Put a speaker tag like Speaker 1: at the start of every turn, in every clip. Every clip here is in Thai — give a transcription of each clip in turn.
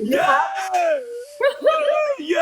Speaker 1: เย้เย้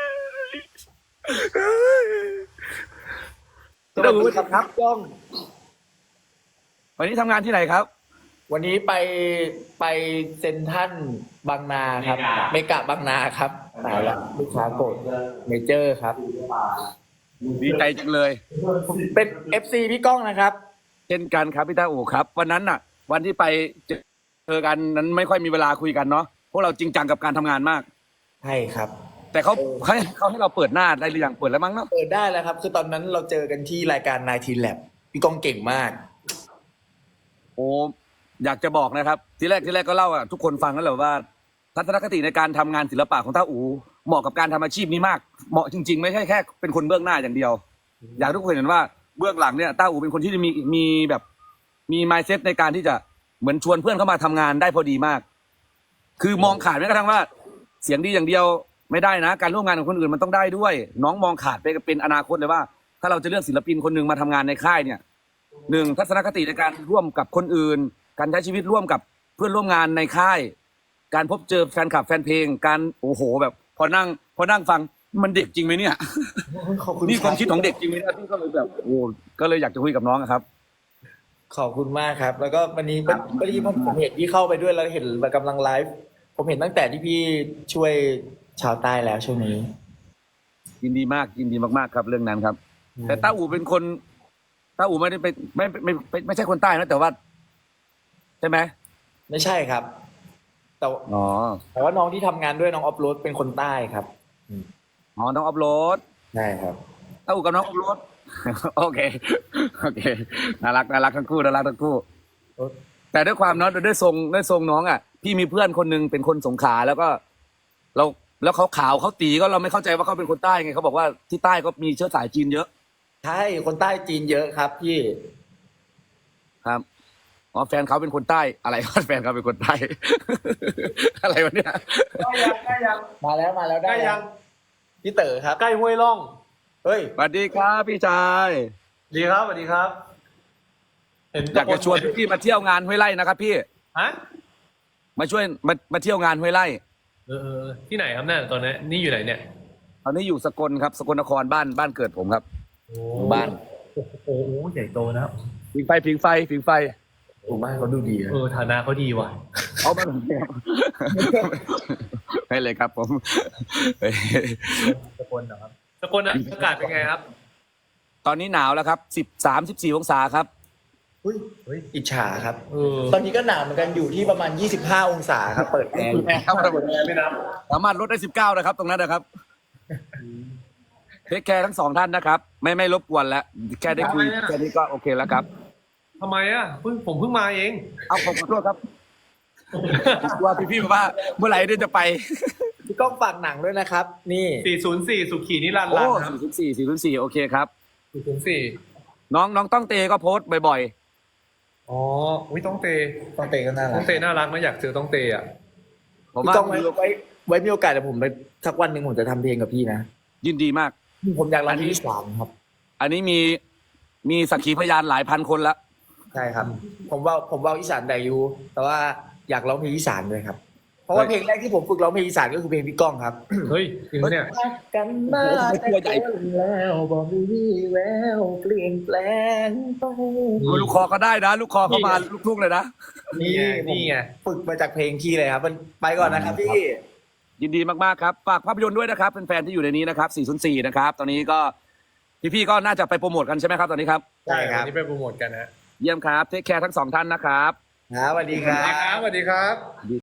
Speaker 2: สวัสดีครับกล้อง
Speaker 1: วันนี้ทำงานที่ไหนครับ
Speaker 2: วันนี้ไปเซ็นทรัลบางนาครับเมกะบางนาครับตายละลูกค้าโกรธเมเจอร์ครับ
Speaker 1: ดีใจจังเลย
Speaker 2: เป็น FC พี่ก้องนะครับ
Speaker 1: เช่นกันครับพี่ต้าอู่ครับ วันนั้นน่ะ วันที่ไปเจอกันนั้นไม่ค่อยมีเวลาคุยกันเนาะพวกเราจริงจังกับการทำงานมาก
Speaker 2: ใช่ครับ
Speaker 1: แต่เขาให้เราเปิดหน้าได้หรือยังเปิดแล้วมั้งเนาะ
Speaker 2: เปิดได้แล้วครับ คือตอนนั้นเราเจอกันที่รายการ19 Lab พี่ก้องเก่งมาก
Speaker 1: โอ้อยากจะบอกนะครับ ทีแรกก็เล่าอะทุกคนฟังแล้วแหละว่า ทัศนคติในการทำงานศิลปะของต้าอูเหมาะกับการทำอาชีพนี้มากเหมาะจริงๆไม่ใช่แค่เป็นคนเบื้องหน้าอย่างเดียว อยากให้ทุกคนเห็นว่าเบื้องหลังเนี่ยต้าอูเป็นคนที่มีแบบมี mindset ในการที่จะเหมือนชวนเพื่อนเข้ามาทำงานได้พอดีมาก คือมองขาดแม้กระทั่งว่าเสียงดีอย่างเดียวไม่ได้นะ การร่วมงานกับคนอื่นมันต้องได้ด้วย น้องมองขาดไปเป็นอนาคตเลยว่า ถ้าเราจะเลือกศิลปินคนหนึ่งมาทำงานในค่ายเนี่ยหนึ่งทัศนคติในการร่วมกับคนอื่น การใช้ชีวิตร่วมกับเพื่อนร่วมงานในค่าย การพบเจอแฟนคลับแฟนเพลงการโอ้โหแบบพอนั่งฟังมันเด็กจริงไหมเนี่ย
Speaker 2: ขอบคุณ
Speaker 1: นี่ความคิดของ
Speaker 2: รับ
Speaker 1: เด็กจริงไหมเนี่ยพี่ก็เลยแบบโอ้ก็เลยอยากจะคุยกับน้องอะครับ
Speaker 2: ขอบคุณมากครับ แล้วก็วันนี้พอดีผมเห็นที่เข้าไปด้วยแล้วเห็นกำลังไลฟ์ผมเห็นตั้งแต่ที่พี่ช่วยชาวใต้แล้วช่วงนี้
Speaker 1: ยินดีมากยินดีมากๆครับเรื่องนั้นครับ แต่ต้าอู่เป็นคนต้าอู่ไม่ได้เป็นไม่ใช่คนใต้นะแต่ว่าใช่ไหม
Speaker 2: ไม่ใช่ครับ แต่
Speaker 1: อ๋อ
Speaker 2: แต่ว่าน้องที่ทำงานด้วยน้องออฟโรดเป็นคนใต้ครับ
Speaker 1: อ๋อน้องอัพโหลด
Speaker 2: ใช่ครับ
Speaker 1: ต้าอู่กับน้องอัพโหลด โอเคน่ารักทั้งคู่น่ารักทั้งคู่ แต่ด้วยความเนาะด้วยทรงน้องอ่ะพี่มีเพื่อนคนหนึงเป็นคนสงขลาแล้วก็แล้วเขาขาวเขาตีก็เราไม่เข้าใจว่าเขาเป็นคนใต้ไงเขาบอกว่าที่ใต้ก็มีเชื้อสายจีนเยอะ
Speaker 2: ใช่คนใต้จีนเยอะครับพี่
Speaker 1: ครับอ๋อแฟนเขาเป็นคนใต้อะไรวะแฟนเขาเป็นคนใต้ อะไรวะเนี่ย
Speaker 3: ใกล้ยัง
Speaker 2: มาแล้วได้
Speaker 3: ใกล้
Speaker 2: แล้
Speaker 3: ยั
Speaker 2: ว
Speaker 3: ง
Speaker 2: พี่เต๋อครับ
Speaker 3: ใกล้ห้วยล่อง
Speaker 2: เฮ้ย
Speaker 1: สวัสดีครับพี่ชาย
Speaker 3: ดีครับสวัสดีครับ เห็น
Speaker 1: อยากจะชวนพี่มาเที่ยวงานห้วยไร่นะครับพี่
Speaker 3: ฮะ
Speaker 1: มาช่วยมาเที่ยวงานห้วยไร่
Speaker 3: ที่ไหนครับเนี่ยตอนนี้นี่อยู่ไหนเนี่ย
Speaker 1: ตอนนี้อยู่สกลครับสกลนครบ้านเกิดผมครับ บ้าน
Speaker 3: โอ้โหใหญ่โตนะครับ
Speaker 1: ผิงไฟ
Speaker 2: โอ้บ้านเขาดูดีนะ
Speaker 3: ฐานะเขาดีว่ะ
Speaker 1: เอามาให้เลยครับผม
Speaker 3: สกลนะครับสกลอากาศเป็นไงครับ
Speaker 1: ตอนนี้หนาวแล้วครับ14 องศาครับ
Speaker 2: เฮ้ยอิจฉาครับ
Speaker 3: เออ
Speaker 2: ตอนนี้ก็หนาวเหมือนกันอยู่ที่ประมาณ25 องศาครับ เปิดแอร์อยู่
Speaker 1: ครับ
Speaker 3: ไม่นับ
Speaker 1: สามารถลดได้19นะครับ ตรงนั้นนะครับเทคแคร์ทั้งสองท่านนะครับ ไม่รบกวนแล้วแค่ได้คุยแค่นี้ก็โอเคแล้วครับ
Speaker 3: ทำไมอ่ะผมเพิ่งมาเอง
Speaker 1: เอาผมขอโทษครับว่าพี่บอกว่าเมื่อไหร่เดี๋ยวจะไป
Speaker 2: พี่ก้องฝากหนังด้วยนะครับ นี่
Speaker 3: 404 สุขีนิรันดร์
Speaker 1: โอ้
Speaker 3: รันครับ
Speaker 1: 404โอเคครับ
Speaker 3: 404
Speaker 1: น้องต้องเตก็โพสต์บ่อย
Speaker 3: อ๋อวิต้องเต
Speaker 2: ต้องเตะก็น่ารั
Speaker 3: ต้อก งเตน่ารักนะอยากเจอต้องเตอ่ะ
Speaker 1: ๆ ผม
Speaker 2: พี่
Speaker 1: ว่า
Speaker 2: ก้องไว้มีโอกาสเดี๋ยวผมไปสักวันหนึ่งผมจะทำเพลงกับพี่นะ
Speaker 1: ยินดีมาก
Speaker 2: ผมอยากร้องที่3ครับ
Speaker 1: อันนี้มีสักขีพยานหลายพันคนแล้ว
Speaker 2: ใช่ครับ ผมว่าอีสานได้อยู่แต่ว่าอยากร้องเพลงอีสานด้วยครับ เพราะว่าเพลงแรกที่ผมฝึกร้องเพลงอีสานก็คือเพลงพี่ก้องครับ
Speaker 3: เฮ้ยจริงปะเนี่ย
Speaker 2: รักกันมาแต่เกินแล้วบอกมีวี่แววเปลี่ยนแปลงไป
Speaker 1: ลูกคอก็ได้นะ ลูกคอเข้ามาลูกทุ่งเลยนะ
Speaker 3: นี่ไง
Speaker 2: ฝึกมาจากเพลงพี่เลยครับมันไปก่อนนะครับพี่
Speaker 1: ยินดีมากๆครับฝากภาพยนตร์ด้วยนะครับเป็นแฟนที่อยู่ในนี้นะครับ404นะครับตอนนี้ก็พี่ๆก็น่าจะไปโปรโมทกันใช่ไหมครับตอนนี้ครับ
Speaker 2: ใช่ครับ
Speaker 3: วันนี้ไปโปรโมทกันฮะ
Speaker 1: เยี่ยมครับเทคแคร์ทั้งสองท่านนะครับ
Speaker 2: ครับสวัสดีครั
Speaker 3: สวัสดี
Speaker 2: บ
Speaker 3: ครับสวัสดีครับ